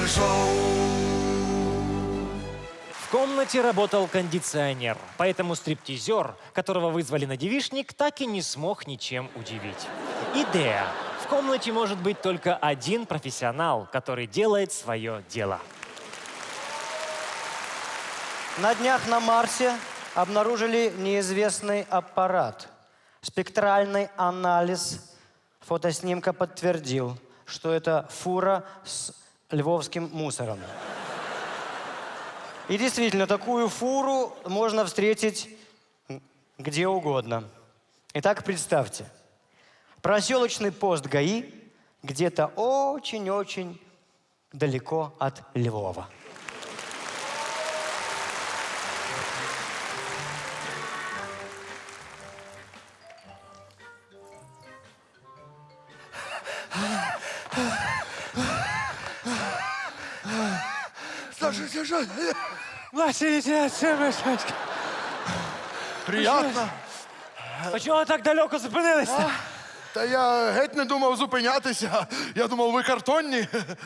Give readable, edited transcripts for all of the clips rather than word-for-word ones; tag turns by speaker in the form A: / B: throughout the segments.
A: шоу.
B: В комнате работал кондиционер, поэтому стриптизер, которого вызвали на девичник, так и не смог ничем удивить. Идея. В комнате может быть только один профессионал, который делает свое дело.
C: На днях на Марсе обнаружили неизвестный аппарат. Спектральный анализ фотоснимка подтвердил, что это фура с львовским мусором. И действительно, такую фуру можно встретить где угодно. Итак, представьте, проселочный пост ГАИ где-то очень-очень далеко от Львова.
A: Старший сержант,
B: Младший лейтенант Семашечка,
A: приятно.
B: а чого так далеко зупинилися?
A: Та я геть не думав зупинятися. Я думав, ви картонні.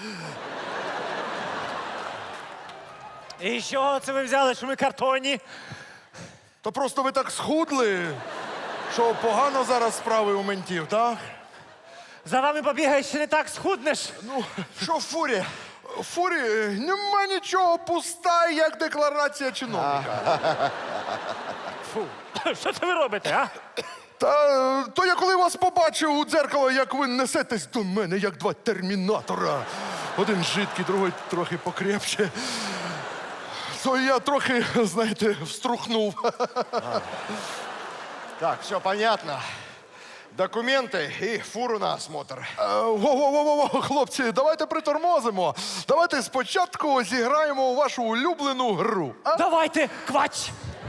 B: І з чого це ви взяли, що ми картонні?
A: То просто ви так схудли, що погано зараз справи у ментів, так?
B: За вами побігаєш, ще не так схуднеш.
A: Ну, що в фурі? В фурі нема нічого, пуста, як декларація чиновника.
B: Фу, що це ви робите, а?
A: Та то я коли вас побачив у дзеркало, як ви несетесь до мене, як два термінатора. Один жидкий, другий трохи покрепче. То я трохи, знаєте, вструхнув.
D: Так, все понятно. Документы и фуру на осмотр.
A: Во-во-во-во, хлопці, давайте притормозимо. Давайте спочатку зіграємо у вашу улюблену гру. А?
B: Давайте, квач!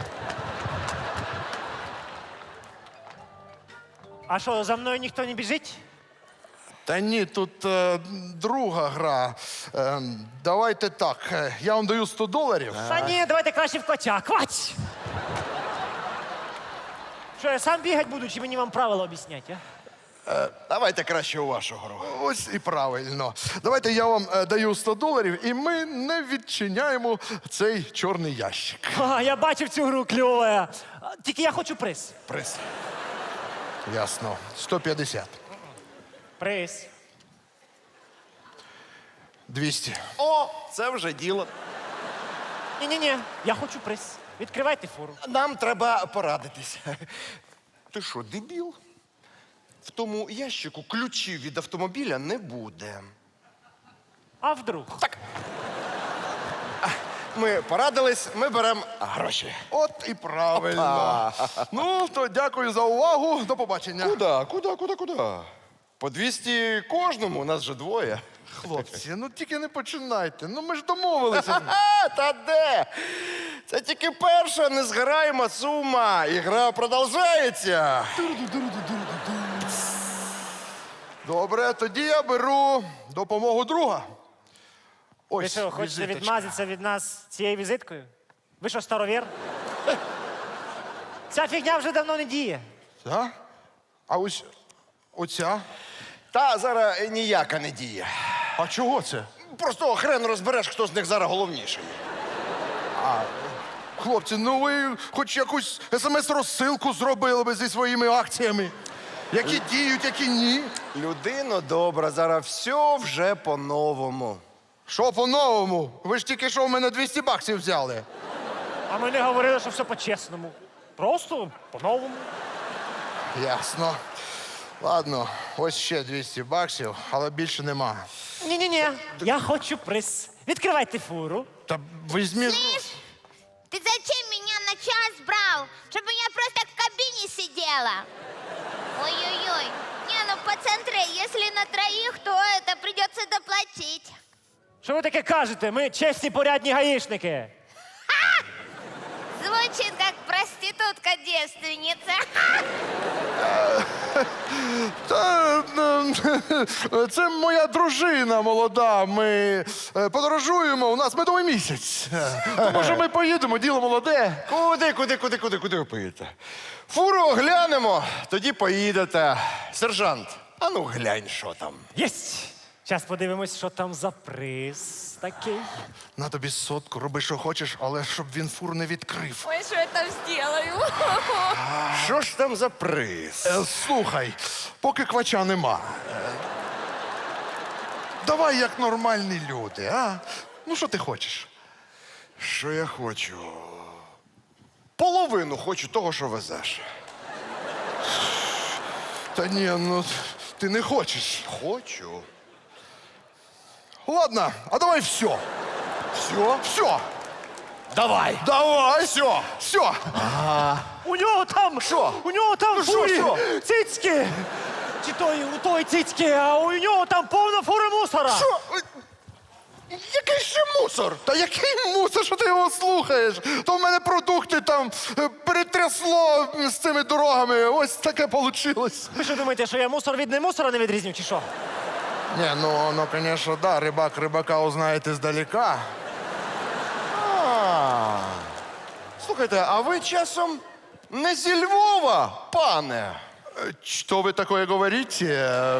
B: А що, за мною ніхто не біжить?
A: Та ні, тут друга гра. Давайте так, я вам даю $100.
B: Та ні, давайте краще в квача. Квач! Що, я сам бігати буду, чи мені вам правила об'ясняти, а?
D: Давайте краще у вашу гру.
A: Ось і правильно. Давайте я вам даю $100, і ми не відчиняємо цей чорний ящик.
B: А, я бачив цю гру кльова. Тільки я хочу приз.
A: Приз. Ясно. 150.
B: Приз.
A: 200.
D: О, це вже діло.
B: Ні-ні-ні, я хочу приз. Відкривайте фуру.
D: Нам треба порадитись. Ти що, дебіл? В тому ящику ключів від автомобіля не буде.
B: А вдруг?
D: Так. Ми порадились, ми беремо гроші.
A: От і правильно. Ну, то дякую за увагу. До побачення.
D: Куда? По 200 кожному, у нас же двоє.
A: Хлопці, ну тільки не починайте. Ну ми ж домовилися.
D: Та де? Це тільки перша незгораєма сума. Ігра продовжується.
A: Добре, тоді я беру допомогу друга.
B: Ви
A: Ось,
B: що, хочете
A: візиточка.
B: відмазатися від нас цією візиткою? Ви що, старовір? Ця фігня вже давно не діє.
A: Так? А ось оця?
D: Та зараз ніяка не діє.
A: А чого це?
D: Просто хрен розбереш, хто з них зараз головніший.
A: Хлопці, ну ви хоч якусь смс-розсилку зробили би зі своїми акціями. Які діють, які ні.
D: Людино добра, зараз все вже по-новому.
A: Що по-новому? Ви ж тільки що в мене $200 взяли.
B: А ми не говорили, що все по-чесному. Просто по-новому.
A: Ясно. Ладно, ось ще $200, але більше нема.
B: Ні-ні-ні, я хочу приз. Відкривайте фуру.
A: Та візьмі...
E: Слышь, ты зачем меня на час брал? Чтобы я просто в кабине сидела. Ой-ой-ой. Не, ну пацантры, если на троих, то это придется доплатить.
B: Що ви таке кажете? Ми чесні, порядні гаїшники.
E: Звучит как проститутка-девственница.
A: Та, це моя дружина молода. Ми подорожуємо, у нас медовий місяць. То, може, ми поїдемо, діло молоде.
D: Куди ви поїдете? Фуру оглянемо, тоді поїдете. Сержант, а ну глянь, що там.
B: Єсть! Зараз подивимось, що там за приз такий.
A: На тобі сотку, роби, що хочеш, але щоб він фур не відкрив.
E: Ой, что я там сделаю?
D: Що ж там за приз?
A: Слухай, поки квача нема. Давай як нормальні люди, а? Ну, що ти хочеш?
D: Що я хочу? Половину хочу того, що везеш.
A: Та ні, ну ти не хочеш.
D: Хочу.
A: Ладно, а давай все.
D: Все?
A: Все.
D: Давай.
A: Давай.
D: Все.
A: Все.
B: У нього там!
D: Що?
B: У нього там в
D: що,
B: фурі
D: що?
B: цицьки! Чи той, у той цицьки, а у нього там повна фура мусора!
A: Що? Який ще мусор? Та який мусор, що ти його слухаєш? То в мене продукти там перетрясло з цими дорогами. Ось таке вийшло.
B: Ви що думаєте, що я мусор від немусора не відрізню, чи що?
A: Ні, ну, звісно, да, рибак рибака узнаєте здалека.
D: Слухайте, а ви часом не зі Львова, пане?
A: Что вы такое говорите?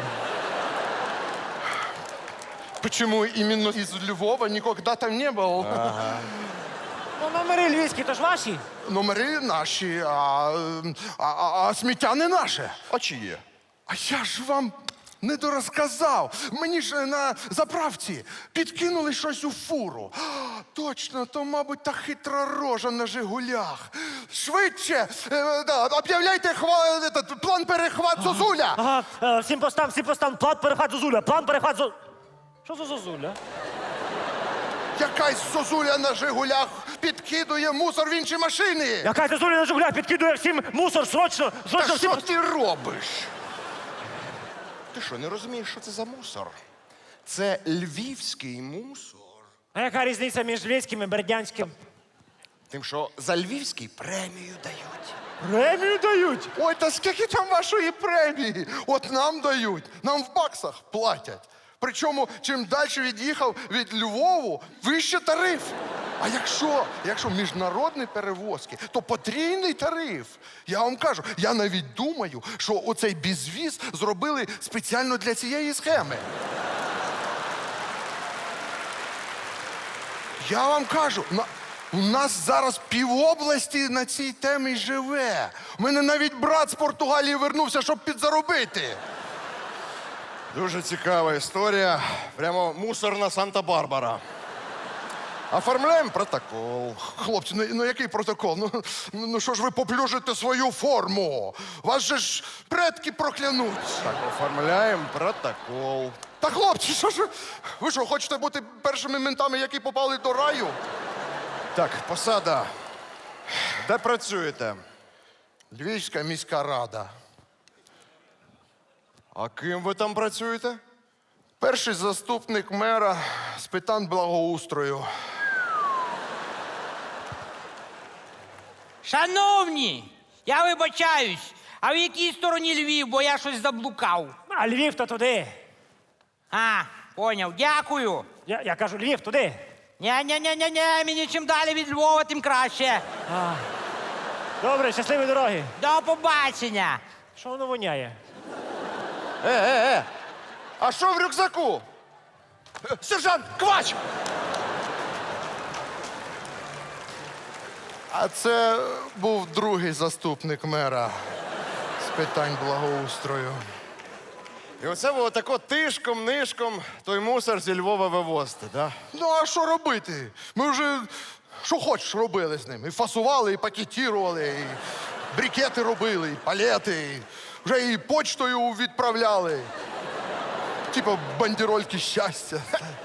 A: Почему именно из Львова? Никогда там не был.
B: Ну, номери львівські, то ж ваші.
A: Номери наші, а сміття не наше.
D: А чи є?
A: А я ж вам не дорозказав. Мені ж на заправці підкинули щось у фуру. Точно, то, мабуть, та хитра рожа на Жигулях. Швидше, об'являйте план перехват Зозуля.
B: Ага, всім постам, план перехват Зозуля, план перехват Зозуля. Що за Зозуля?
A: Якась Зозуля на Жигулях підкидує мусор в інші машини.
B: Яка Зозуля на Жигулях підкидує всім мусор, срочно
A: Та
B: всім...
A: що ти робиш?
D: Ти що, не розумієш, що це за мусор? Це львівський мусор.
B: А яка різниця між львівським і бердянським?
D: Тим, що за львівський премію дають.
B: Премію дають.
A: Ой, та скільки там вашої премії? От нам дають, нам в баксах платять. Причому, чим далі від'їхав від Львову, вище тариф. А якщо міжнародні перевозки, то потрійний тариф. Я вам кажу, я навіть думаю, що оцей безвіз зробили спеціально для цієї схеми. Я вам кажу, у нас зараз півобласті на цій темі живе. У мене навіть брат з Португалії вернувся, щоб підзаробити.
D: Дуже цікава історія. Прямо мусорна Санта-Барбара. Оформляємо протокол.
A: Хлопці, ну який протокол? Ну що ж ви поплюжите свою форму? Вас же ж предки проклянуть.
D: Так, оформляємо протокол.
A: Та хлопці, що ж ви що, хочете бути першими ментами, які попали до раю?
D: Так, посада. Де працюєте?
A: Львівська міська рада.
D: А ким ви там працюєте?
A: Перший заступник мера з питань благоустрою.
F: Шановні, я вибачаюсь, а в якій стороні Львів, бо я щось заблукав.
B: А Львів то туди.
F: А, поняв, дякую.
B: Я кажу, Львів туди.
F: Ня-ня-ня-ня-ня, мені чим далі від Львова, тим краще.
B: Добре, щасливі дороги.
F: До побачення.
B: Що воно воняє?
D: А що в рюкзаку? Сержант, квач!
A: А це був другий заступник мера з питань благоустрою.
D: І оце ви отако тишком-нишком той мусор зі Львова вивозите, да?
A: Ну, а що робити? Ми вже що хочеш робили з ним. І фасували, і пакетірували, і брикети робили, і палети, і вже і почтою відправляли. Типа бандерольки щастя.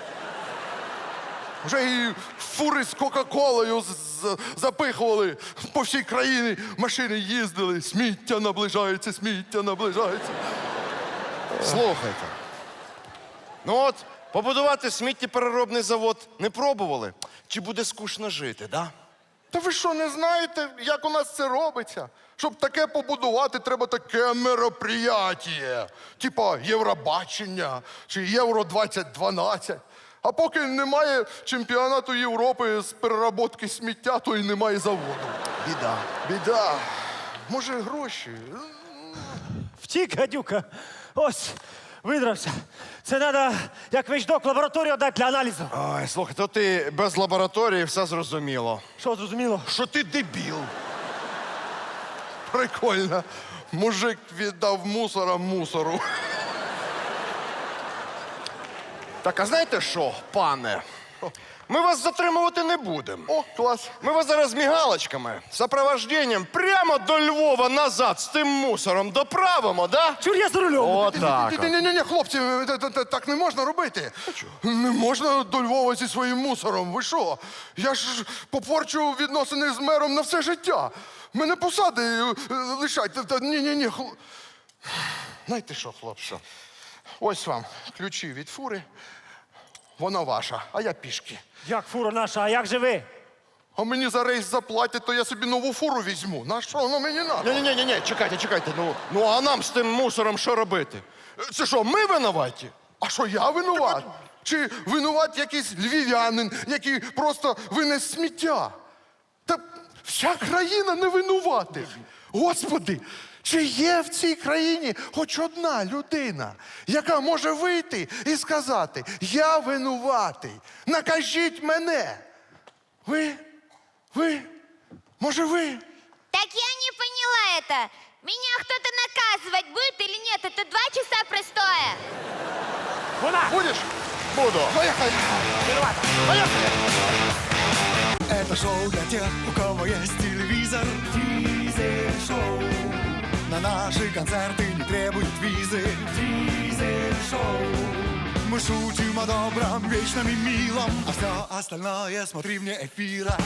A: Вже і фури з Кока-Колою запихували по всій країні. Машини їздили, сміття наближається, сміття наближається.
D: Слухайте. Ну от, побудувати сміттєпереробний завод не пробували? Чи буде скучно жити, да?
A: Та ви що, не знаєте, як у нас це робиться? Щоб таке побудувати, треба таке мероприятіє. Типа Євробачення чи Євро-2012. А поки немає чемпіонату Європи з переробки сміття, то і немає заводу.
D: Біда.
A: Біда. Може, гроші?
B: Втік, гадюка. Ось,
G: Видрався. Це треба, як вещдок, в лабораторію дати для аналізу.
D: Ой, слухай, то ти без лабораторії все зрозуміло.
G: Що, зрозуміло?
A: Що ти дебіл? Прикольно. Мужик віддав мусора мусору.
D: Так, а знаєте що, пане? Ми вас затримувати не будемо.
A: О, клас.
D: Ми вас зараз мігалочками, сопровожденням прямо до Львова назад з тим мусором доправимо, да?
G: Чур, я за рулем.
D: Отак. от.
A: Ні, хлопці, так не можна робити. Не можна до Львова зі своїм мусором. Ви що? Я ж попорчу відносини з мером на все життя. Мене посади лишайте. Ні. Знаєте що, хлопці? Ось вам ключі від фури. Вона ваша, а я пішки.
G: Як фура наша, а як же ви?
A: А мені за рейс заплатять, то я собі нову фуру візьму. На що воно мені надо?
D: Ні, чекайте. Ну а нам з тим мусором що робити? Це що, ми винуваті?
A: А що, я винуват? Чи винуват якийсь львів'янин, який просто винес сміття? Та вся країна не винуватих. Господи, чи є в цій країні хоч одна людина, яка може вийти і сказати, я винуватий, накажіть мене? Ви? Може ви?
E: Так я не поняла это. Меня кто-то наказывать будет или нет? Это 2 часа простоя.
G: Вона!
A: Будеш?
D: Буду.
A: Поїхали.
H: Это шоу для тех, у кого есть телевизор. Дизель-шоу. На наши концерты не требуют визы. Дизель-шоу. Мы шутим о добром, вечном и милом, а все остальное смотри вне эфира.